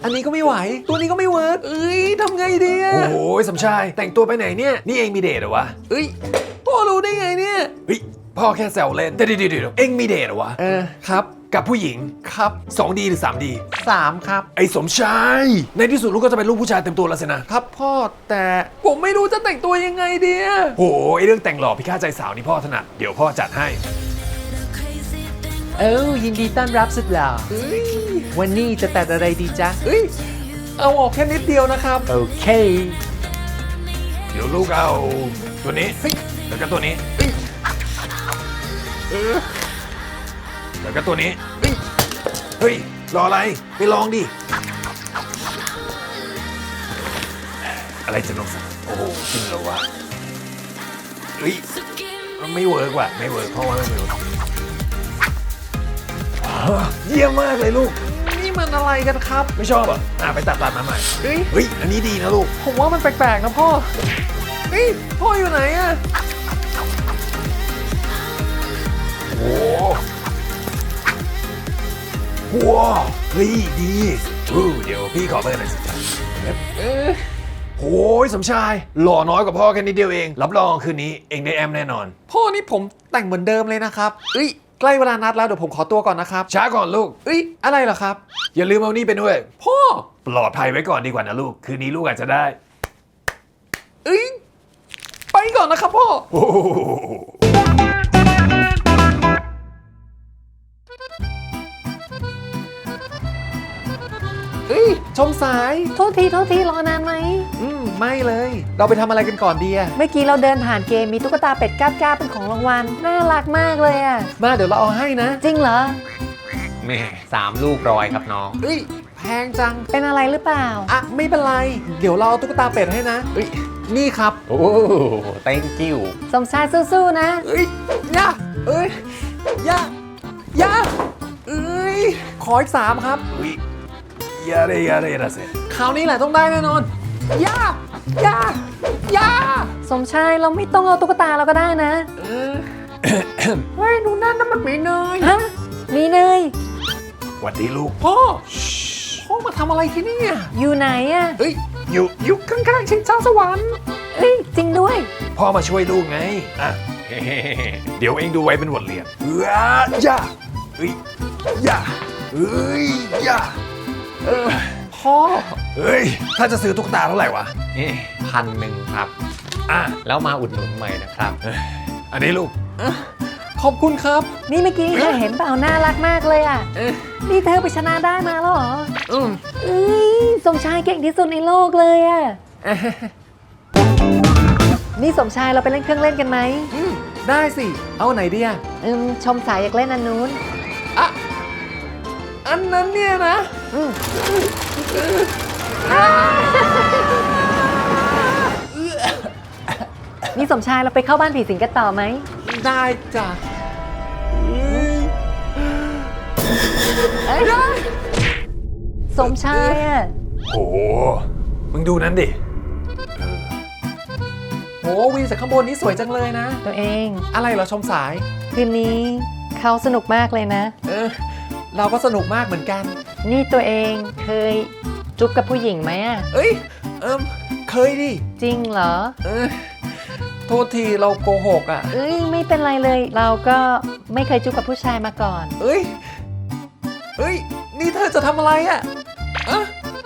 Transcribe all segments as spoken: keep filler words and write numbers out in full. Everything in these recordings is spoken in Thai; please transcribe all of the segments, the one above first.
อันนี้ก็ไม่ไหวตัวนี้ก็ไม่เวิร์กเอ้ยทำไงดีอะโอ้ยสมชายแต่งตัวไปไหนเนี่ยนี่เองมีเดทเหรอวะเอ้ยพ่อรู้ได้ไงเนี่ยเฮ้ยพ่อแค่แซวเล่นเดี๋ยวเดี๋ยวเดี๋ยวเองมีเดทเหรอวะเออครับกับผู้หญิงครับ สองดี หรือ สามดี สามครับไอ้สมชายในที่สุดลูกก็จะเป็นลูกผู้ชายเต็มตัวแล้วสินะครับพ่อแต่ผมไม่รู้จะแต่งตัวยังไงดีอะโอ้ยเรื่องแต่งหล่อพิฆาตใจสาวนี่พ่อถนัดเดี๋ยวพ่อจัดให้เอ้ายินดีต้อนรับสุดหล่อวันนี้จะแต่งอะไรดีจ๊ะเอ้ยเอาออกแค่นิดเดียวนะครับโอเคเดี๋ยวลูกเอาตัวนี้แล้วก็ตัวนี้แล้วก็ตัวนี้เฮ้ยรออะไรไปลองดิอะไรจะลงสักโอ้โหจริงเหรอวะเฮ้ยมันไม่เวิร์กว่ะไม่เวิร์กเพราะว่าไม่เวิร์กเยี่ยมมากเลยลูกนี่มันอะไรกันครับไม่ชอบอ่ะอ่ะไปตัดตัดมาใหม่เฮ้ยเฮ้ยอันนี้ดีนะลูกผมว่ามันแปลกๆนะพ่อเฮ้ยพ่ออยู่ไหนอ่ะโอ้ว้าวเฮ้ยดีอู้เดี๋ยวพี่ขอเบอร์หน่อยสิเออโอ้ยสมชายหล่อน้อยกว่าพ่อแค่นิดเดียวเองรับรองคืนนี้เองได้แอมแน่นอนพ่อนี่ผมแต่งเหมือนเดิมเลยนะครับเอ้ยใกล้เวลานัดแล้วเดี๋ยวผมขอตัวก่อนนะครับช้าก่อนลูกเอ้ยอะไรเหรอครับอย่าลืมเอานี่ไปด้วยพ่อปลอดภัยไว้ก่อนดีกว่านะลูกคืนนี้ลูกอาจจะได้เอ้ยไปก่อนนะครับพ่อเฮ้ยชมสายโทษทีโทษทีรอนานไหมอืมไม่เลยเราไปทำอะไรกันก่อนดีอะเมื่อกี้เราเดินผ่านเกมมีตุ๊กตาเป็ดก้าบก้าเป็นของรางวัลน่ารักมากเลยอะมาเดี๋ยวเราเอาให้นะจริงเหรอแม่สามลูกร้อยครับน้องเฮ้ยแพงจังเป็นอะไรหรือเปล่าอ่ะไม่เป็นไรเดี๋ยวเราเอาตุ๊กตาเป็ดให้นะเฮ้ยนี่ครับโอ้ thank you สมชายสู้ๆนะเฮ้ยย่าเอ้ยย่าย่าเอ้ยขออีกสามครับยาเรยาเรยาเซคราวนี้แหละต้องได้แน่นอนย่าย่าย่าสมชายเราไม่ต้องเอาตุ๊กตาเราก็ได้นะเออเฮ้ยดูนั่นนั่นมันมีเนยฮะมีเนยหวัดดีลูกพ่อพ่อมาทำอะไรที่นี่อยู่ไหนอ่ะเฮ้ยอยู่อยู่ข้างๆชิงช้าสวรรค์เฮ้ยจริงด้วยพ่อมาช่วยลูกไงอ่ะเดี๋ยวเองดูไว้เป็นบทเรียนย่าเฮ้ยย่าเฮ้ยย่าเออพ่อเฮ้ยถ้าจะซื้อตุ๊กตาเท่าไหร่วะนี่พันหนึ่งครับอ่ะแล้วมาอุดหนุนใหม่นะครับอันนี้ลูกขอบคุณครับนี่เมื่อกี้เธอเห็นเปล่าน่ารักมากเลยอ่ะนี่เธอไปชนะได้มาแล้วเหรออืมเอ้ยสมชายเก่งที่สุดในโลกเลยอ่ะนี่สมชายเราไปเล่นเครื่องเล่นกันไหมได้สิเอาไหนดีอ่ะอืมชมสายอยากเล่นอันนู้นอ่ะอันนั้นเนี่ยนะนี่สมชายเราไปเข้าบ้านผีสิงกันต่อไหมได้จ้ะสมชายอ่ะโอ้มึงดูนั้นดิโอ้วิวจากข้างบนนี้สวยจังเลยนะตัวเองอะไรเหรอชมสายคืนนี้เขาสนุกมากเลยนะเออเราก็สนุกมากเหมือนกันนี่ตัวเองเคยจุ๊บกับผู้หญิงไหมอ่ะเอ้ยเอิมเคยดิจริงเหรอเออโทษทีเราโกหกอ่ะเอ้ยไม่เป็นไรเลยเราก็ไม่เคยจุ๊บกับผู้ชายมาก่อนเอ้ยเอ้ยนี่เธอจะทำอะไรอ่ะอะ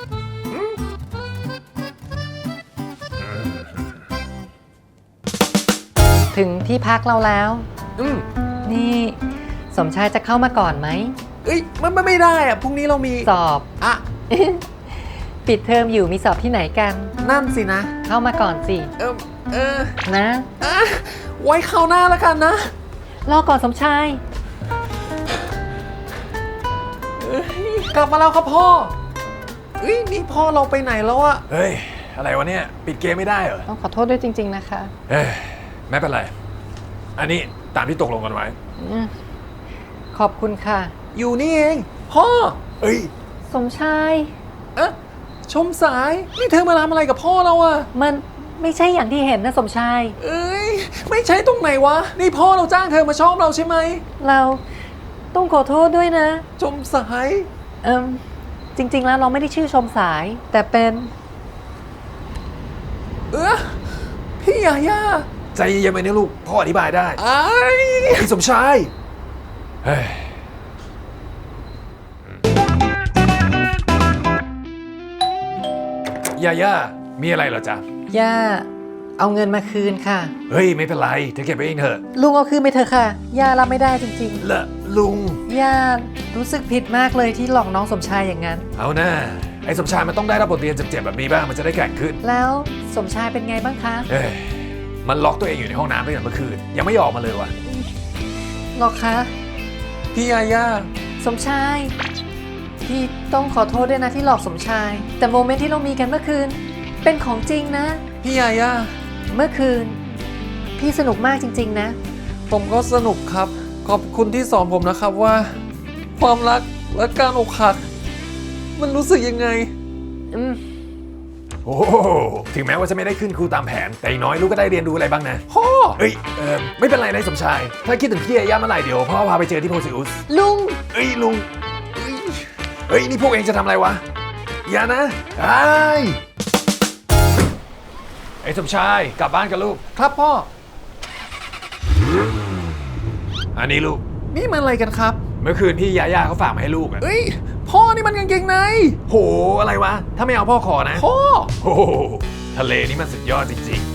ถึงที่พักเราแล้วอืมนี่สมชายจะเข้ามาก่อนไหมเอ้ยมันไม่ได้อ่ะพรุ่งนี้เรามีสอบอ่ะปิดเทอมอยู่มีสอบที่ไหนกันนั่นสินะเข้ามาก่อนสิเออเออนะอ่ะไว้คราวหน้าแล้วกันนะรอก่อนสมชายกลับมาแล้วครับพ่อเฮ้ยนี่พ่อเราไปไหนแล้วอะเฮ้ยอะไรวะเนี่ยปิดเกมไม่ได้เหรอต้องขอโทษด้วยจริงๆนะคะเอ้ยไม่เป็นไรอันนี้ตามที่ตกลงกันไว้ขอบคุณค่ะอยู่นี่เองพ่อเอ้ยสมชายเอ๊ะชมสายนี่เธอมาทำอะไรกับพ่อเราอะมันไม่ใช่อย่างที่เห็นนะสมชายเอ้ยไม่ใช่ตรงไหนวะนี่พ่อเราจ้างเธอมาชอบเราใช่ไหมเราต้องขอโทษด้วยนะชมสายเอิมจริงๆแล้วเราไม่ได้ชื่อชมสาย แต่เป็นเออพี่ยาย่าใจเย็นๆไปนะลูกพ่ออธิบายได้ไอ้ไอ้สมชายเฮ้ยยาย่ามีอะไรเหรอจ๊ะย่า เอาเงินมาคืนค่ะเฮ้ยไม่เป็นไรเธอเก็บไปเองเถอะลุงเอาคืนไปเถอะค่ะ ย่ารับไม่ได้จริงละลุงๆ ย่ารู้สึกผิดมากเลยที่หลอกน้องสมชายอย่างนั้นเอาหน้าไอ้สมชายมันต้องได้รับบทเรียนเจ็บๆแบบนี้บ้างมันจะได้แข็งขึ้นแล้วสมชายเป็นไงบ้างคะเอ้ยมันล็อกตัวเองอยู่ในห้องน้ำตั้งแต่เมื่อคืนยังไม่ออกมาเลยว่ะหรอคะพี่ยาย่าสมชาย พี่ต้องขอโทษด้วยนะที่หลอกสมชาย แต่โมเมนต์ที่เรามีกันเมื่อคืน เป็นของจริงนะพี่ยาย่าเมื่อคืน พี่สนุกมากจริงๆนะผมก็สนุกครับ ขอบคุณที่สอนผมนะครับว่า ความรักและการอกหัก มันรู้สึกยังไงอืมโอ้โหถึงแม้ว่าจะไม่ได้ขึ้นครูตามแผน แต่อย่างน้อยลูกก็ได้เรียนรู้อะไรบ้างนะพ่อเอ้ยเออไม่เป็นไรนะสมชาย ถ้าคิดถึงพี่ยาย่าเมื่อไหร่เดี๋ยวพ่อพาไปเจอที่โพซิอุสลุงเอ้ยลุงเอ้ยเฮ้ยนี่พวกเองจะทำอะไรวะอย่านะไอ้ไอ้สมชายกลับบ้านกันลูกครับพ่ออันนี้ลูกนี่มันอะไรกันครับเมื่อคืนพี่ยาย่าเขาฝากมาให้ลูกอะเอ้ย พ่อนี่มันกางเกงในโหอะไรวะถ้าไม่เอาพ่อขอนะพ่อโอ้โหทะเลนี่มันสุดยอดจริงๆ